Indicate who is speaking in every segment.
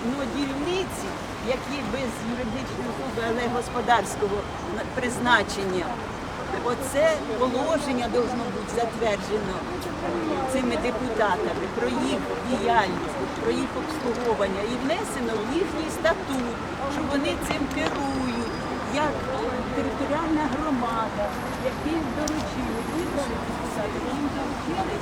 Speaker 1: Ну, дільниці, які без юридичної особи, але господарського призначення, оце положення должно бути затверджено цими депутатами про їх діяльність, про їх обслуговування і внесено в їхній статут, що вони цим керують, як територіальна громада, які їм доручили. Їм доручили.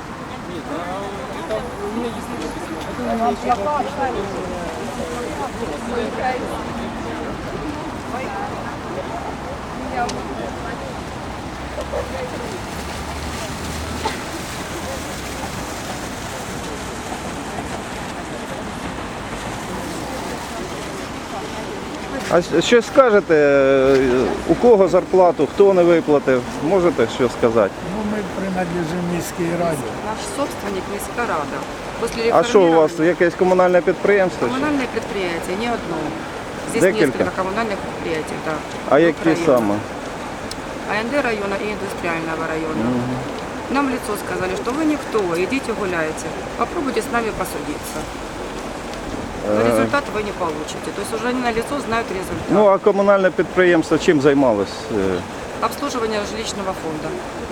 Speaker 2: А що скажете, у кого зарплату, хто не виплатив? Можете що сказати?
Speaker 3: Ну, мы принадлежим Міській раді.
Speaker 4: Наш собственник міська рада. После
Speaker 2: А що у вас,
Speaker 4: реформирования
Speaker 2: якесь комунальне підприємство?
Speaker 4: коммунальное предприятие, не одно. Здесь
Speaker 2: Декілька?
Speaker 4: несколько коммунальных предприятий, да.
Speaker 2: А
Speaker 4: в
Speaker 2: які
Speaker 4: районе.
Speaker 2: саме?
Speaker 4: АНД района и индустриального района. Нам в лицо сказали, что вы никто, идите гуляйте. Попробуйте с нами посудиться. Но результат вы не получите. То есть уже они на лицо знают результат.
Speaker 2: Ну, а комунальне підприємство чим займалось?
Speaker 4: Обслуживание жилищного фонда.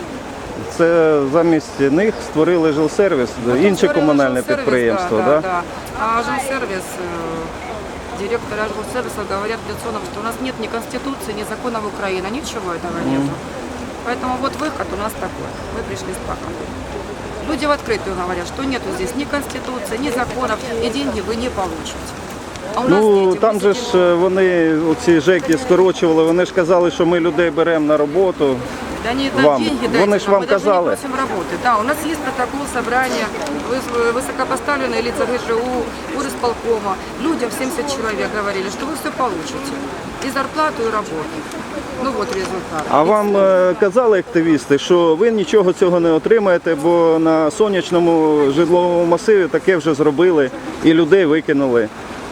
Speaker 2: Це замість них створили жилсервіс, інше
Speaker 4: Створили
Speaker 2: комунальне
Speaker 4: жилсервис,
Speaker 2: підприємство,
Speaker 4: да?
Speaker 2: да?
Speaker 4: Да. А жилсервис, директора жилсервиса говорят в лицо нам, что у нас нет ни Конституции, ни законов Украины, ничего этого нет. Поэтому вот выход у нас такой. Мы пришли с плакатом. Люди в открытую говорят, что нету здесь ни Конституции, ни законов, и деньги вы не получите. А у нас
Speaker 2: Ну,
Speaker 4: дети,
Speaker 2: там
Speaker 4: мы
Speaker 2: же
Speaker 4: сидим-
Speaker 2: ж вони, оці ЖЕКи скорочували, вони ж казали, що ми людей беремо на роботу.
Speaker 4: Да не
Speaker 2: вам.
Speaker 4: деньги
Speaker 2: Вони
Speaker 4: дайте
Speaker 2: ж
Speaker 4: нам,
Speaker 2: вам
Speaker 4: мы даже
Speaker 2: казали.
Speaker 4: не просим работы. Да, у нас есть протокол собрания, высокопоставленные лица ГЖУ, урисполкома. Людям 70 человек говорили, что вы все получите. И зарплату, и работу. Ну вот результат.
Speaker 2: А вам казали активісти, що ви нічого цього не отримаєте, бо на сонячному житловому масиві таке вже зробили і людей викинули.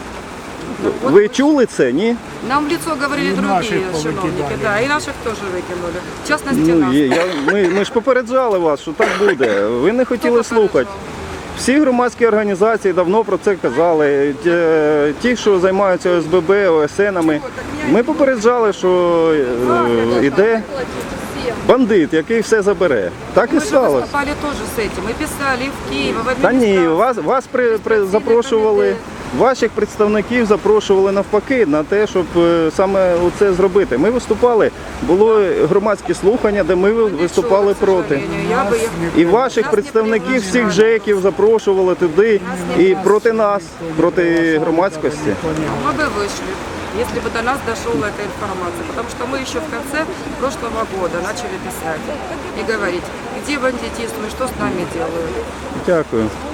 Speaker 2: Ви чули це, ні?
Speaker 4: Нам в лицо говорили
Speaker 3: И
Speaker 4: другие
Speaker 3: наших
Speaker 4: чиновники,
Speaker 3: повыкидали.
Speaker 4: да, и наших тоже выкинули. В частности,
Speaker 2: Ну,
Speaker 4: нас.
Speaker 2: ми ж попереджали вас, що так буде. Ви не хотіли
Speaker 4: Хто
Speaker 2: слухати.
Speaker 4: попереджав?
Speaker 2: Всі громадські організації давно про це казали. Ті, що займаються ОСББ, ОСНами, ми попереджали, що йде бандит, який все забере. Так і
Speaker 4: Мы же
Speaker 2: сталося.
Speaker 4: выступали тоже с этим. Мы писали и в Киев, и в
Speaker 2: Та ні,
Speaker 4: администрацию.
Speaker 2: вас запрошували, ваших представників запрошували навпаки на те, щоб саме це зробити. Ми виступали, було громадські слухання, де ми виступали
Speaker 4: Ничего, к
Speaker 2: проти.
Speaker 4: сожалению. Я бы их...
Speaker 2: І ваших
Speaker 4: Нас не
Speaker 2: представників всіх
Speaker 4: приглашали.
Speaker 2: ЖЕКів запрошували туди і проти нас, проти громадськості.
Speaker 4: Мы бы вышли, если бы до нас дошла эта информация. Потому что мы еще в конце прошлого года начали писать и говорить, где бандитизм и что с нами делают.
Speaker 2: Дякую.